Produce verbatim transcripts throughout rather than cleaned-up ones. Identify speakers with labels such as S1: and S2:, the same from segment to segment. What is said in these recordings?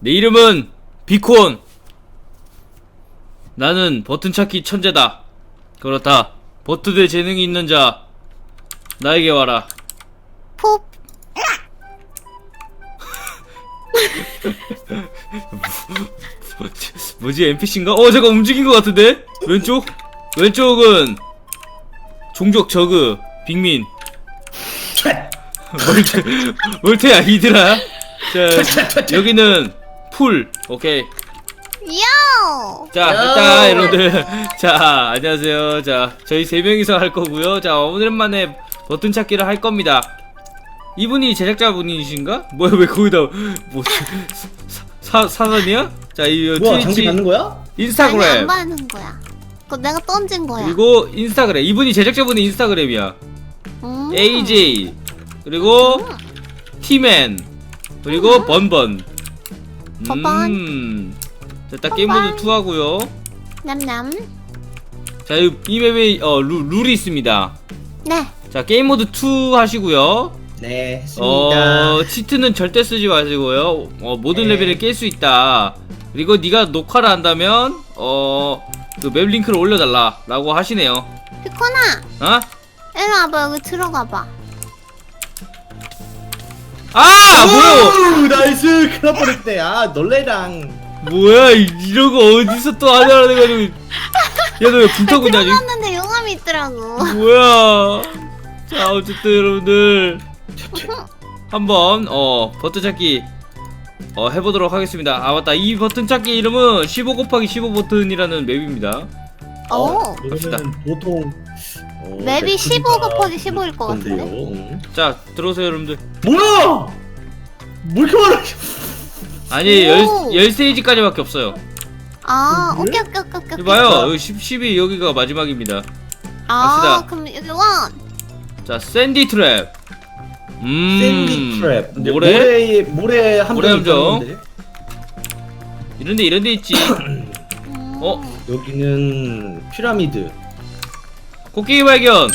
S1: 내 이름은 비콘. 나는 버튼 찾기 천재다. 그렇다. 버튼에 재능이 있는 자, 나에게 와라.
S2: 푹.
S1: 뭐지, 엔피씨인가? 어, 잠깐 움직인 것 같은데? 왼쪽? 왼쪽은 종족 저그 빅민. 멀테, 멀테야 이들아. 자, 여기는 풀. 오케이.
S2: 요.
S1: 자, 일단 여러분들, 자, 안녕하세요. 자, 저희 세 명이서 할 거고요. 자, 오랜만에 버튼 찾기를 할 겁니다. 이분이 제작자분이신가? 뭐야, 왜 거기다 뭐 사, 사선이야? 자, 이
S3: 뭐야, 장비
S1: 트위치,
S3: 받는 거야?
S2: 아니, 안
S1: 인스타그램,
S2: 받는 거야. 그거 내가 던진 거야.
S1: 그리고 인스타그램. 이분이 제작자분이 인스타그램이야.
S2: 음.
S1: 에이제이, 그리고 티맨, 그리고 번번.
S2: 번번.
S1: 음. 자, 딱
S2: 번번.
S1: 게임 모드 투 하고요.
S2: 냠냠.
S1: 자, 이, 이 맵에 어, 룰, 룰이 있습니다.
S2: 네.
S1: 자, 게임 모드 투 하시고요.
S3: 네, 했습니다.
S1: 어, 치트는 절대 쓰지 마시고요. 어, 모든
S3: 네.
S1: 레벨을 깰 수 있다. 그리고 네가 녹화를 한다면 어, 그 맵 링크를 올려달라 라고 하시네요.
S2: 비코나,
S1: 어?
S2: 이리 와봐. 여기 들어가봐.
S1: 아! 뭐야!
S3: 오, 나이스! 큰일 날 뻔했네. 아, 놀래랑.
S1: 뭐야, 이- 이런 거 어디서 또 하냐고 해가지고. 야, 너 왜 불타고 있냐, 지금?
S2: 들어갔는데 용암이 있더라고.
S1: 뭐야. 자, 어쨌든 여러분들 한번 어 버튼 찾기 어 해보도록 하겠습니다. 아, 맞다. 이 버튼 찾기 이름은 십오 곱하기 십오 버튼이라는 맵입니다.
S2: 오.
S1: 갑시다.
S3: 이거는 보통 어,
S2: 맵이 십오 곱하기 십오일 것
S3: 건데요.
S2: 같은데?
S3: 응.
S1: 자, 들어오세요 여러분들.
S3: 뭐야? 뭐 이렇게 많아?
S1: 아니, 열,
S2: 오.
S1: 열 스테이지까지밖에 없어요.
S2: 아,
S3: 음,
S2: 오케이, 오케이, 오케이, 오케이.
S1: 이봐요, 여기 십, 십이 여기가 마지막입니다.
S2: 아,
S1: 갑시다.
S2: 그럼 여기 원.
S1: 자, 샌디 트랩. 음,
S3: 샌디 트랩. 근데
S1: 모래?
S3: 모래 모래 함정.
S1: 모래 함정.
S3: 있다는데?
S1: 이런데 이런데 있지.
S2: 음.
S1: 어?
S3: 여기는 피라미드.
S1: 코끼리 발견.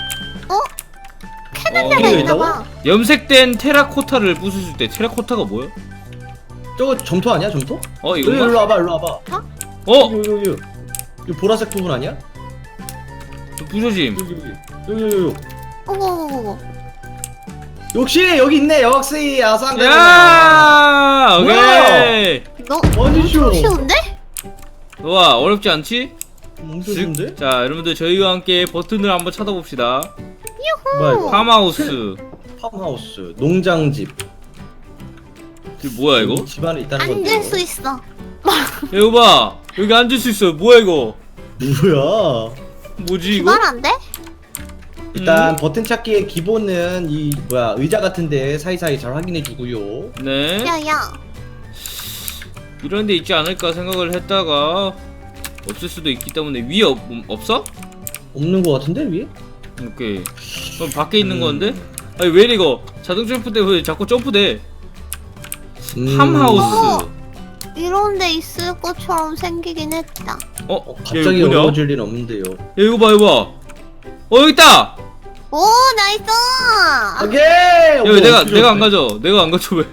S2: 캐는
S1: 어,
S2: 데가
S3: 이거
S2: 있나봐.
S1: 염색된 테라코타를 부수실 때 테라코타가 뭐야?
S3: 저거 점토 아니야, 점토?
S1: 어,
S3: 여기
S1: 이건가?
S3: 일로 와봐, 일로 와봐.
S1: 어?
S3: 여기 여기 여기. 이 보라색 부분 아니야?
S1: 부서짐.
S3: 여기 여기 여기 여기 여기.
S2: 오오오오.
S3: 역시 여기 있네, 역시 아상.
S1: 야!
S3: 뭐야?
S1: 오케이.
S2: 너
S3: 완전 쉬워.
S2: 엄청 쉬운데?
S1: 좋아, 어렵지 않지?
S3: 엄청
S1: 쓱.
S3: 좋은데?
S1: 자, 여러분들 저희와 함께 버튼을 한번 찾아봅시다.
S3: 뭐야 이거?
S1: 팜하우스.
S3: 팜하우스, 농장집.
S1: 이게 뭐야 이거?
S3: 집 안에 있다는 건데.
S2: 앉을 수 있어.
S1: 야, 이거 봐. 여기 앉을 수 있어. 뭐야 이거?
S3: 뭐야?
S1: 뭐지 이거?
S2: 말 안 돼?
S3: 일단
S1: 음?
S3: 버튼 찾기의 기본은 이 뭐야 의자 같은데 사이사이 잘 확인해 주고요.
S1: 네.
S2: 야야.
S1: 이런 데 있지 않을까 생각을 했다가 없을 수도 있기 때문에 위에 없, 없어?
S3: 없는 거 같은데 위에?
S1: 오케이. 그럼 밖에 있는
S3: 음.
S1: 건데? 아니 왜 이래 이거? 자동 점프 때문에 자꾸 점프돼.
S3: 음.
S1: 팜하우스.
S2: 이런 데 있을 것처럼 생기긴 했다.
S1: 어?
S3: 어,
S1: 야,
S3: 갑자기
S1: 이거 뭐냐?
S3: 어려워질 일 없는데요.
S1: 야, 이거 봐 이거 봐. 어, 여기 있다.
S2: 오, 나이스!
S3: 오케이.
S1: 야, 왜
S3: 어,
S1: 내가
S3: 어떻게
S1: 내가 안
S3: 어때?
S1: 가져. 내가 안 가져 왜?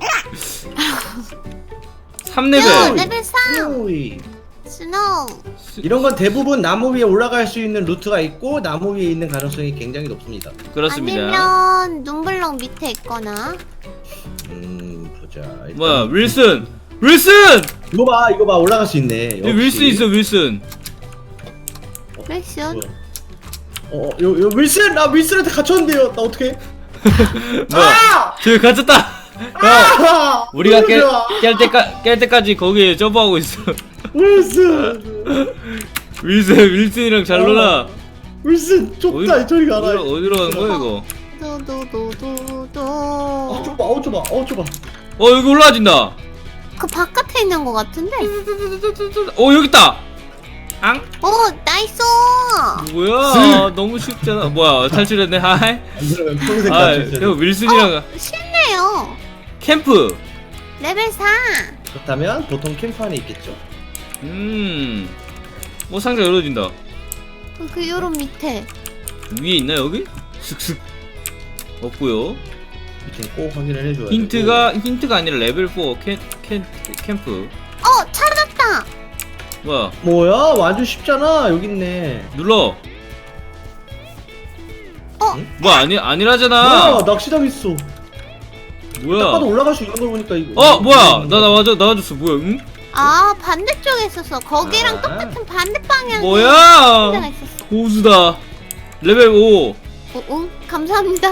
S1: 삼
S2: 야,
S1: 레벨.
S2: 레벨 삼!
S3: 오이.
S2: 스노우!
S3: 이런 건 대부분 나무 위에 올라갈 수 있는 루트가 있고 나무 위에 있는 가능성이 굉장히 높습니다.
S1: 그렇습니다.
S2: 아니면 눈블럭 밑에 있거나.
S3: 음 보자. 일단
S1: 뭐야 윌슨. 윌슨.
S3: 이거 봐 이거 봐 올라갈 수 있네.
S1: 여기 윌슨 있어 윌슨.
S2: 렉션?
S3: 어, 요, 요 윌슨 나 윌슨한테 갇혔는데요. 나 어떻게?
S1: 뭐야? 저기 갇혔다. 형,
S3: 아!
S1: 우리가 깰,
S3: 좋아.
S1: 깰 때까 깰 때까지 거기에 점프하고 있어.
S3: 윌슨
S1: 윌슨 윌슨이랑 잘 놀아.
S3: 윌슨 좁다 저리 가라.
S1: 어디로, 어디로 가는 거야 이거?
S2: 도도도도도.
S3: 아 좁아 어 좁아 어 좁아.
S1: 어 여기 올라와진다.
S2: 그 바깥에 있는 것 같은데?
S1: 어 여기 있다. 앙?
S2: 오, 나이스!
S1: 뭐야? 너무 쉽잖아. 뭐야 탈출했네. 하이.
S3: 안 그러면 평생
S1: 아,
S3: 갇혀
S1: 형 윌슨이랑
S2: 쉽네요.
S1: 캠프.
S2: 레벨 사.
S3: 그렇다면 보통 캠프 안에 있겠죠.
S1: 음. 뭐 상자 열어진다.
S2: 그, 그 요런 밑에.
S1: 위에 있나 여기? 슥슥. 없고요.
S3: 위치는 꼭 확인을 해줘야
S1: 힌트가 힌트가 아니라 레벨 사 캠, 캠, 캠프.
S2: 어 찾았다.
S1: 뭐야?
S3: 되고. 뭐야 완전 쉽잖아. 여기 있네.
S1: 눌러.
S2: 어?
S3: 응?
S1: 뭐 아니 아니라잖아.
S3: 뭐야 낚시당 있어.
S1: 뭐야?
S3: 딱 봐도 올라갈 수 있는 걸 보니까 이거.
S1: 어 뭐야? 나 나와줘 나와줬어. 뭐야? 응?
S2: 아 반대쪽에 있었어. 거기랑
S3: 아.
S2: 똑같은 반대 방향에
S1: 뭐야?
S2: 데가 있었어.
S1: 고수다. 레벨 오.
S2: 어, 응 감사합니다.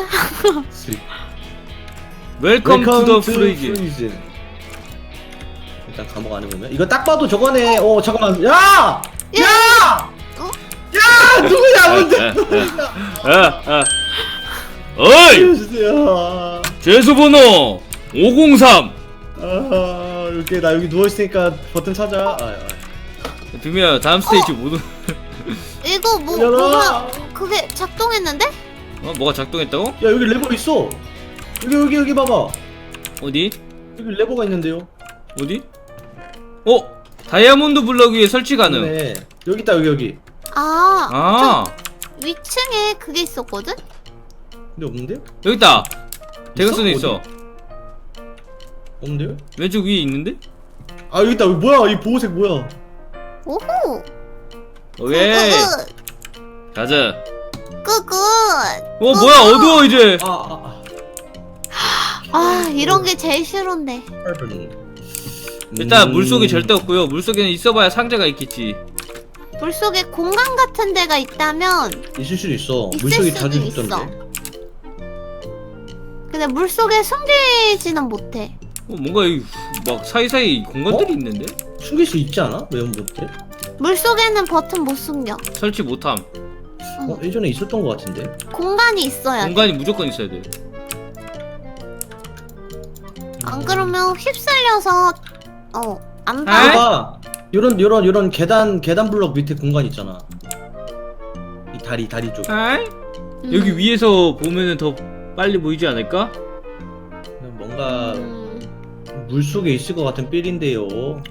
S1: 웰컴 투 더 프리즈.
S3: 프리즌. 일단 감옥 안에 보면 이거 딱 봐도 저거네. 어 잠깐만. 야! 야!
S2: 어?
S3: 야! 누구야? 뭔데?
S1: 아, 아. 어이!
S3: 알려주세요.
S1: 죄수번호 오공삼.
S3: 아 이렇게 나 여기 누워 있으니까 버튼 찾아. 아, 아.
S1: 비미야 다음 스테이지 모두.
S2: 이거 뭐
S3: 열어.
S2: 뭐가 그게 작동했는데?
S1: 어 뭐가 작동했다고?
S3: 야 여기 레버 있어. 여기 여기 여기 봐봐.
S1: 어디?
S3: 여기 레버가 있는데요.
S1: 어디? 어 다이아몬드 블럭 위에 설치 가능.
S3: 네. 여기 있다 여기 여기.
S2: 아,
S1: 아
S2: 저 위층에 그게 있었거든?
S3: 근데 없는데요?
S1: 여기 있다. 대각선에
S3: 어디?
S1: 있어.
S3: 없는데요?
S1: 왼쪽 위에 있는데?
S3: 아 여기 있다. 여기 뭐야? 이 보호색 뭐야?
S2: 오호.
S1: 오케이
S2: 굿굿.
S1: 가자.
S2: 굿굿.
S1: 어 뭐야 어두워 이제.
S3: 아 아 아.
S2: 아 이런 게 제일 싫은데.
S1: 일단
S3: 음.
S1: 물속에 절대 없고요. 물속에는 있어봐야 상자가 있겠지.
S2: 물속에 공간 같은 데가 있다면
S3: 있을 수도 있어.
S2: 있을
S3: 물속에
S2: 수도
S3: 자주
S2: 있어.
S3: 있던데.
S2: 근데 물속에 숨기지는 못해.
S1: 어 뭔가 이, 막 사이사이 공간들이
S3: 어?
S1: 있는데?
S3: 숨길 수 있지 않아? 왜 못해?
S2: 물속에는 버튼 못 숨겨.
S1: 설치 못함.
S2: 응.
S3: 어 예전에 있었던 것 같은데.
S2: 공간이 있어야 돼.
S1: 공간이 무조건 있어야 돼.
S2: 안 그러면 휩쓸려서 어 안
S1: 아?
S2: 봐.
S3: 봐봐. 요런 요런 요런 계단 계단 블럭 밑에 공간 있잖아. 이 다리 다리 쪽.
S1: 아이?
S2: 음.
S1: 여기 위에서 보면은 더 빨리 보이지 않을까?
S3: 뭔가
S2: 음.
S3: 물 속에 있을 것 같은 삘인데요.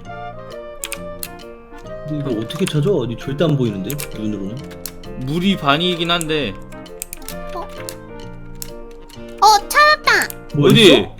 S3: 근데 이거 어떻게 찾아? 어디 절대 안 보이는데 눈으로는.
S1: 물이 반이긴 한데.
S2: 어 찾았다.
S3: 뭐
S1: 어디?
S3: 있어?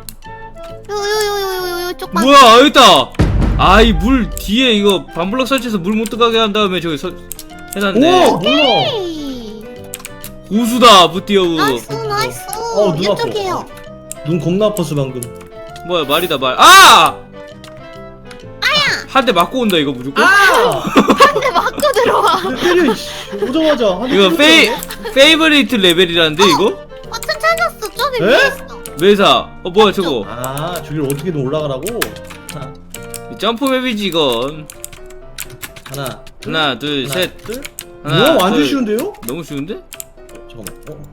S2: 요요요요요요 쪽만.
S1: 뭐야 여기 있다. 아이 물 뒤에 이거 반블럭 설치해서 물 못 들어가게 한 다음에 저기 서, 해놨네.
S3: 오 몰라.
S2: 에이.
S1: 고수다 부띠어우.
S2: 나이스 나이스.
S3: 어, 눈 아파.
S2: 이쪽이에요.
S3: 눈 겁나 아팠어 방금.
S1: 뭐야 말이다 말. 아! 한 대 맞고 온다 이거 무조건.
S3: 아!
S2: 근데 맞고 들어와.
S3: 때려. 이씨. 오자마자. 한 대
S1: 이거 페이
S3: 때렸네.
S1: 페이버리트 레벨이라는데 이거?
S2: 버튼 찾았어. 저기
S3: 에?
S2: 위에 있어.
S1: 매사. 어 뭐야 저거?
S3: 아 저기를 어떻게든 올라가라고. 하나,
S1: 점프 맵이지 이건.
S3: 하나,
S1: 하나 둘
S3: 하나,
S1: 셋.
S3: 둘.
S1: 하나,
S3: 뭐야 완전
S1: 둘.
S3: 쉬운데요?
S1: 너무 쉬운데?
S3: 잠깐만. 어.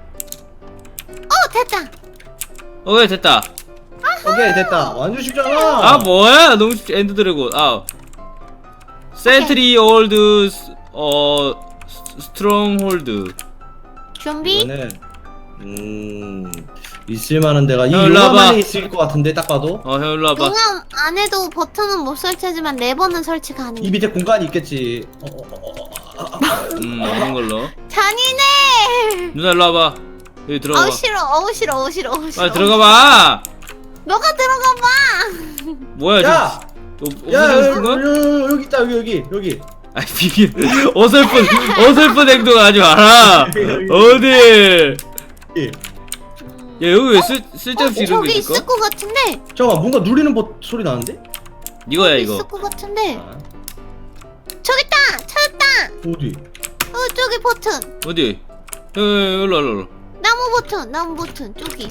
S2: 어 됐다.
S1: 오케이 됐다.
S3: 오케이 됐다. 완전 쉽잖아.
S1: 아 뭐야 너무 쉽지. 엔드 드래곤. 아 센트리 올드 어 스트롱 홀드.
S2: 준비.
S3: 이거는 음 있을만한 데가 이
S1: 형, 일로 와봐.
S3: 요만에 있을 것 같은데 딱 봐도
S1: 어 형 일로 와봐.
S2: 용암 안에도 버튼은 못 설치하지만 레버는 설치 가능.
S3: 이 밑에 공간이 있겠지. 어, 어, 어, 어, 어, 어.
S1: 음 없는 걸로.
S2: 잔인해.
S1: 누나 일로 와봐. 여기 들어가
S2: 어우
S1: 봐.
S2: 싫어. 어우 싫어. 어우 싫어. 어우 싫어.
S1: 빨리 들어가 봐.
S2: 너가 들어가 봐.
S3: 야!
S1: 뭐야 저
S3: 야
S1: 없어지고 싶은 거야?
S3: 여기, 여기 있다 여기 여기 여기.
S1: 아이 비비 어설픈 어설픈 행동 하지 마라. 어디?
S3: 예.
S1: 야 여기 왜 쓸, 쓸데없이
S2: 어,
S1: 이런 게
S2: 저기
S1: 있을까?
S2: 있을 것 같은데.
S3: 잠깐만 뭔가 누리는 버, 소리 나는데?
S1: 이거야
S2: 있을
S1: 이거.
S2: 것 같은데.
S3: 아,
S2: 저기 있다. 찾았다.
S3: 어디?
S2: 어 저기 버튼.
S1: 어디? 여, 여, 여, 일로 와, 일로 와.
S2: 나무 버튼. 나무 버튼. 저기.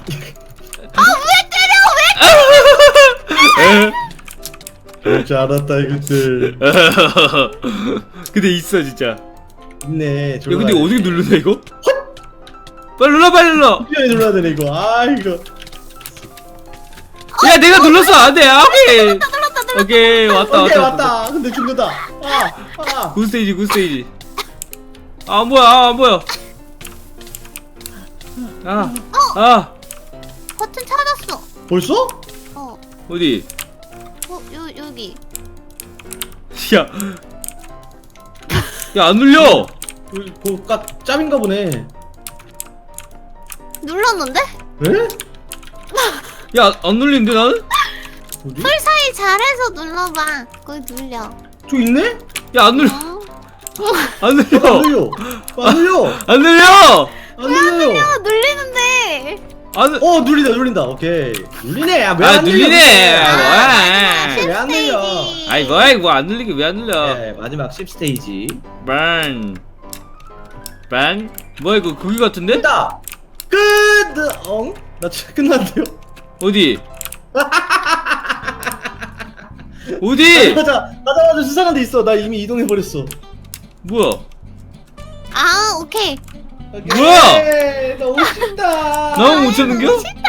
S3: 그럴 줄 알았다 이것들.
S1: 근데 있어 진짜.
S3: 있네.
S1: 야 근데 어떻게 누르냐 이거? 빨리 눌러 빨리 눌러.
S3: 어떻게 눌러야 되네 이거. 아 이거.
S1: 야 내가 눌렀어 안돼 오케이.
S2: 눌렀다 눌렀다.
S1: 오케이 왔다
S3: 오케이
S1: 왔다.
S3: 왔다. 근데 죽는다. 아 아.
S1: 굿스테이지 굿스테이지. 아 안 보여 아, 안 보여. 아 아.
S2: 버튼 찾았어.
S3: 벌써?
S2: 어.
S1: 어디?
S2: 어 요, 여기.
S1: 야. 야 안 눌려.
S3: 여기 뭐 까 짭인가 보네.
S2: 눌렀는데?
S3: 에?
S1: 야안 눌리는데 나는?
S3: 어디?
S2: 풀 사이 잘해서 눌러봐. 그걸 눌려.
S3: 저 있네?
S1: 야안 눌려.
S2: 어?
S1: 안
S3: 안
S1: 눌려.
S3: 눌려. 안 눌려.
S1: 안 눌려.
S3: 안 눌려요.
S2: 아, 눌리는데.
S1: 안 눌.
S3: 어 눌린다 눌린다. 오케이. 눌리네. 야, 왜안
S1: 아 눌리네.
S3: 눌려?
S1: 뭐야?
S3: 왜 안 눌려?
S2: 스테이지.
S1: 아이 뭐야 이거 안 눌리게 왜 안 눌려?
S3: 네, 마지막 십 스테이지.
S1: 반. 반? 뭐야 이거 거기 같은데?
S3: 됐다. 끝. 엉? 나 진짜 끝났는데요?
S1: 어디? 어디?
S3: 가자. 가자마자 수상한 데 있어. 나 이미 이동해 버렸어.
S1: 뭐야?
S2: 아, 오케이.
S1: 뭐야?
S3: 너무 쉽다.
S1: 너무 못 찾는겨?
S2: 싫다.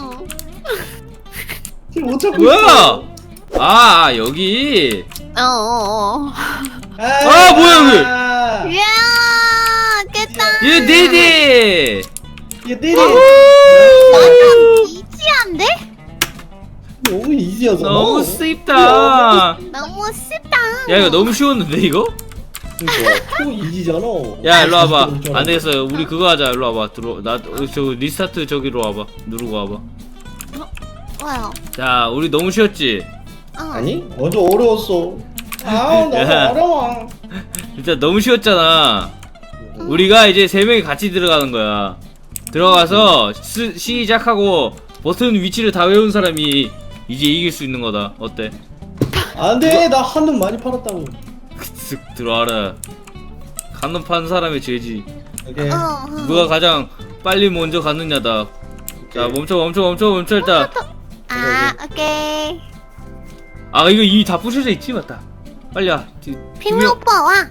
S3: 지금 못 찾고
S1: 뭐야?
S3: 있어.
S1: 아 여기.
S2: 어, 어, 어.
S3: 아,
S1: 뭐야,
S2: 이야, 깼다.
S1: 예 네네.
S3: 얘 때리.
S2: 완전 이지한데?
S3: 너무 이지여서.
S1: 너무 쉽다.
S2: 너무 쉽다.
S1: 야 이거 너무 쉬웠는데 이거?
S3: 그러니까 너무 이지잖아.
S1: 야 일로 와봐. 안 되겠어. 우리 그거 하자. 일로 와봐. 들어. 나저 리스타트 저기로 와봐. 누르고 와봐.
S2: 뭐야?
S1: 자 우리 너무 쉬웠지?
S2: 어.
S3: 아니? 완전 어려웠어. 아 너무
S1: 야.
S3: 어려워.
S1: 진짜 너무 쉬웠잖아. 우리가 이제 세 명이 같이 들어가는 거야. 들어가서 스, 시작하고 버튼 위치를 다 외운 사람이 이제 이길 수 있는 거다. 어때?
S3: 안돼, 나 한눈 많이 팔았다고.
S1: 쓱 들어와라. 간놈 파는 사람의 죄지.
S3: 오케이.
S2: 어, 어.
S1: 누가 가장 빨리 먼저 갔느냐다. 자 멈춰 멈춰 멈춰 멈춰 일단.
S2: 아, 오케이.
S1: 아 이거 이미 다 부셔져 있지 맞다. 빨리 와. 뒤-
S2: 핑미
S1: 두 명-
S2: 오빠 와.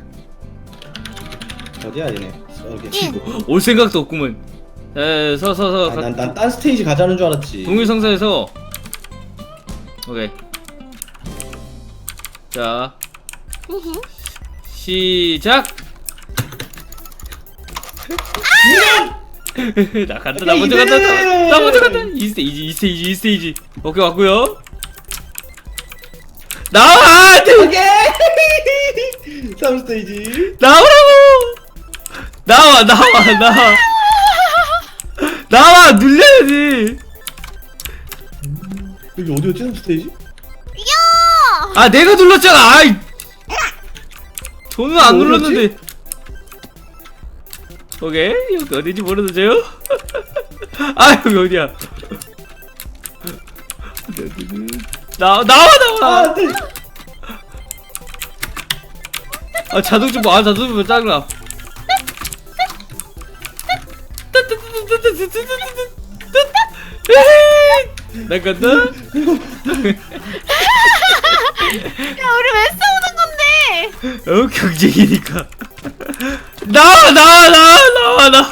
S3: 어디야 얘네? 여기.
S2: 예.
S1: 올 생각도 없구먼. 서서서
S3: 아, 난난 딴 스테이지 가자는 줄 알았지.
S1: 동일성사에서 오케이. 자 시작. 나 간다. 나 먼저 간다. 나, 나 먼저 간다. 이 스테이지 이 스테이지 이 스테이지. 오케이 왔고요. 나와.
S3: 오케이. 삼 스테이지.
S1: 나오라고. 나와 나와 나와. 나와 눌려야지.
S3: 여기 어디였지? 삼 스테이지?
S2: 야!
S1: 아 내가 눌렀잖아. 아이. 저는 안
S3: 어디였지?
S1: 눌렀는데. 오케이 여기 어딘지 모르는데요? 아 여기 어디야? 나 나와
S3: 아,
S1: 나와.
S3: 안돼.
S1: 아 자동차 뭐, 아 자동차 뭐 짜증나. 나 간다.
S2: 야, 우리 왜 싸우는 건데?
S1: 어 경쟁이니까. 나와 나와 나와 나와 나.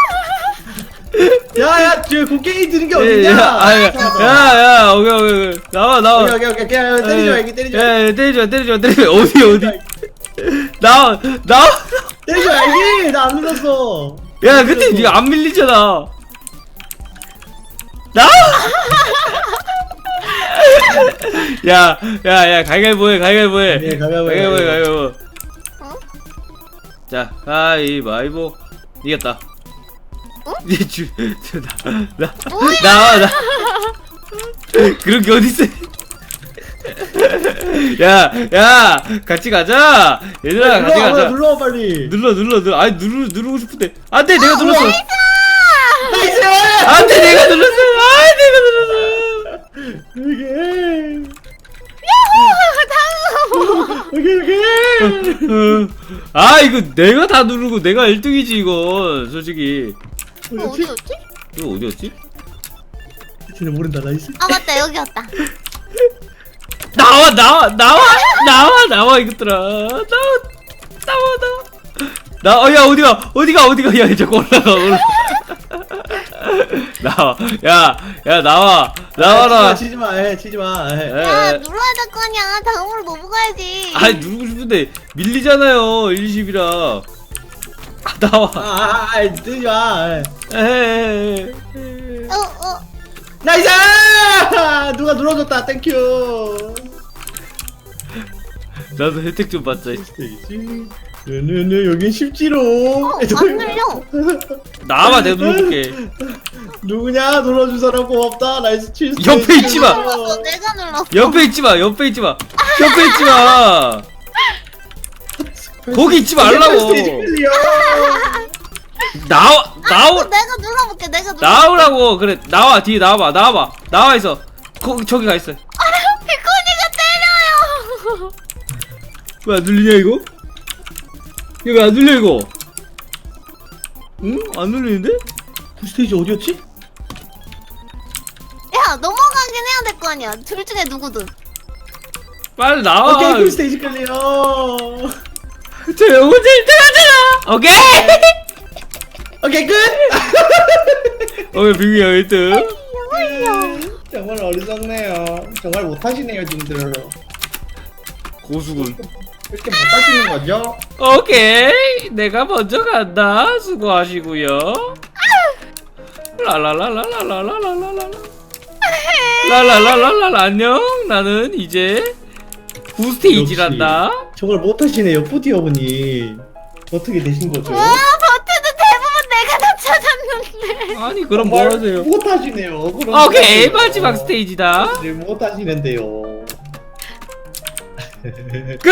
S3: 야야, 뒤에 곡괭이 드는 게
S1: 예,
S3: 어딨냐?
S1: 야, 아, 야, 야, 야, 오케이, 오케이, 오케이. 나와, 나와.
S3: 오케이 오케이 오케이. 야, 때리지 마, 이게 때리지 마.
S1: 야, 야, 때리지 마, 때리지 마, 때리지 마. 어디, 어디. 나와, 나와.
S3: 때리지 마, 이게 나안 눌렀어.
S1: 야, 근데 니가 안 밀리잖아. 나와. 야, 야, 야, 가위바위보 해, 가위바위보 해.
S3: 네, 가위바위보 해,
S1: 가위바위보 해, 가위바위보.
S2: 어?
S1: 자, 가위바위보. 이겼다.
S2: 어?
S1: 니 주, 저, 나, 나,
S2: 뭐야?
S1: 나와, 나. 그런 게 어딨어? 야, 야, 같이 가자. 얘들아, 같이
S3: 눌러,
S1: 가자.
S3: 눌러 빨리.
S1: 눌러, 눌러, 눌러. 아니, 누르, 누르고 싶은데. 안 돼, 내가 눌렀어.
S3: 나이스.
S1: 안 돼, 내가 눌렀어. 아, 내가 눌렀어.
S3: 이게.
S2: 다음.
S3: 오케이 오케이.
S1: 어, 아, 이거 내가 다 누르고 내가 일 등이지, 이건. 솔직히.
S2: 어, 어디였지?
S1: 이거 어디였지?
S3: 쟤네 모른다. 나이스.
S2: 아, 맞다. 여기였다.
S1: 나와, 나와, 나와, 나와, 나와, 이것들아. 나와, 나와, 나와. 나, 어, 야, 어디가, 어디가, 어디가. 야, 자꾸 올라가, 올라가. 나와. 야, 야, 나와. 나와라.
S3: 치지 마, 치지 마. 에, 치지 마. 에.
S2: 야,
S1: 에.
S2: 눌러야 될 거 아니야. 다음으로 넘어가야지.
S1: 아, 누르고 싶은데 밀리잖아요. 일, 이십이라. 아, 나와.
S3: 아, 아, 아, 뜨지 마. 에.
S1: 에헤헤.
S2: 어, 어.
S3: 나이스! 누가 눌러줬다. 땡큐.
S1: 나도 혜택 좀 받자.
S3: 스테이지. 네네네 여긴 쉽지롱.
S2: 어, 안 눌려.
S1: 나와봐 내가 눌러볼게.
S3: 누구냐 놀아준 사람 고맙다. 나이스 칠.
S1: 옆에 있지 마.
S2: 눌렀어. 내가 눌렀어.
S1: 옆에 있지마 옆에 있지마 옆에 있지마 거기 있지 말라고.
S3: 스테이지 클리어.
S1: 나와
S2: 아,
S1: 나오
S2: 내가 눌러볼게. 내가 눌러.
S1: 나오라고. 그래 나와 뒤에 나와봐 나와봐 나와 있어. 거기 저기 가 있어.
S2: 비코니가 때려요.
S1: 왜 안 눌리냐 이거? 이거 왜 안 눌려 이거? 응? 안 눌리는데?
S3: 그 스테이지 어디였지?
S2: 야 넘어가긴 해야 될 거 아니야. 둘 중에 누구든.
S1: 빨리 나와.
S3: 오케이 그 스테이지 클리어.
S1: 저 영혼 일 등 하잖아. 오케이.
S3: 오케이 끝.
S1: 오케이 빙이 형 일 등.
S3: 정말 어리석네요. 정말 못하시네요 님들.
S1: 고수군.
S3: 이렇게 못하시는 거죠?
S1: 오케이 내가 먼저 간다. 수고하시고요. 라라라라라라라라라라 라라라라라 안녕. 나는 이제 구 스테이지란다.
S3: 정말 못하시네요 뿌디 어머니. 어떻게 되신 거죠?
S2: 와 버튼은 대부분 내가 다 찾았는데.
S1: 아니 그럼
S3: 정말
S1: 뭐 하세요?
S3: 못하시네요. 그럼
S1: 오케이
S3: 못하세요.
S1: 마지막 스테이지다.
S3: 네, 못하시는데요.
S1: 끝!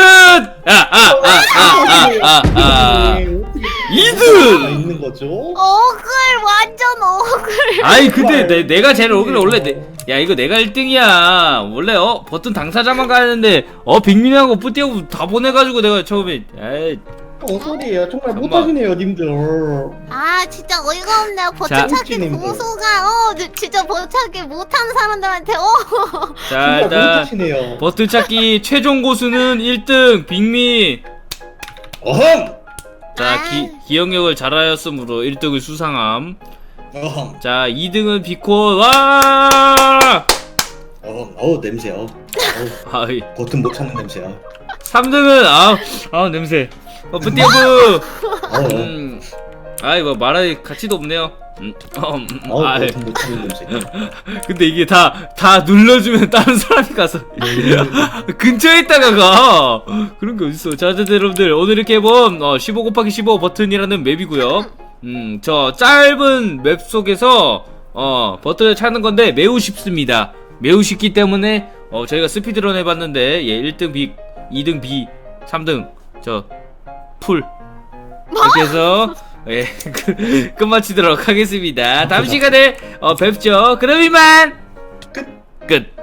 S1: 아아아아아아 이등!
S3: 있는 거죠?
S2: 억울 완전 억울.
S1: 아니 근데 내, 내가 제일 억울해. 원래 내, 야 이거 내가 일 등이야. 원래 어 버튼 당사자만 가는데 어 빅민하고 뿌띠하고 다 보내가지고 내가 처음에 에이
S3: 어 소리예요. 정말
S1: 잠깐만.
S3: 못하시네요 님들.
S2: 아 진짜 어이가 없네요. 버튼
S1: 자.
S2: 찾기
S3: 님
S2: 고수가 어 진짜 버튼 찾기 못하는 사람들한테 어.
S1: 자
S3: 정말
S1: 일단
S3: 못하시네요.
S1: 버튼 찾기 최종 고수는 일 등 빅미.
S3: 어흠.
S1: 자 기, 기억력을 잘하였으므로 일 등을 수상함.
S3: 어흠.
S1: 자 이 등은 비콘. 와
S3: 어흠. 어우 냄새. 어. 어우,
S1: 아이
S3: 버튼 못 찾는 냄새야.
S1: 삼 등은 아우 아우 냄새. 어 뿌띠하고
S3: 어우.
S1: 음, 아이 뭐 말할 가치도 없네요. 음, 어, 음,
S3: 어우
S1: 아이,
S3: 버튼 못 찾는 냄새.
S1: 근데 이게 다 다 눌러주면 다른 사람이 가서 근처에 있다가 가 그런 게 어딨어. 자, 자, 여러분들 오늘 이렇게 해본 어, 십오 곱하기 십오 버튼이라는 맵이고요. 음, 저 짧은 맵 속에서 어 버튼을 찾는 건데 매우 쉽습니다. 매우 쉽기 때문에 어 저희가 스피드런 해봤는데 예, 일 등 B, 이 등 B, 삼 등 저 풀 이렇게 해서 예, 끝- 끝마치도록 하겠습니다. 다음 시간에 어, 뵙죠. 그럼 이만 끝. 끝.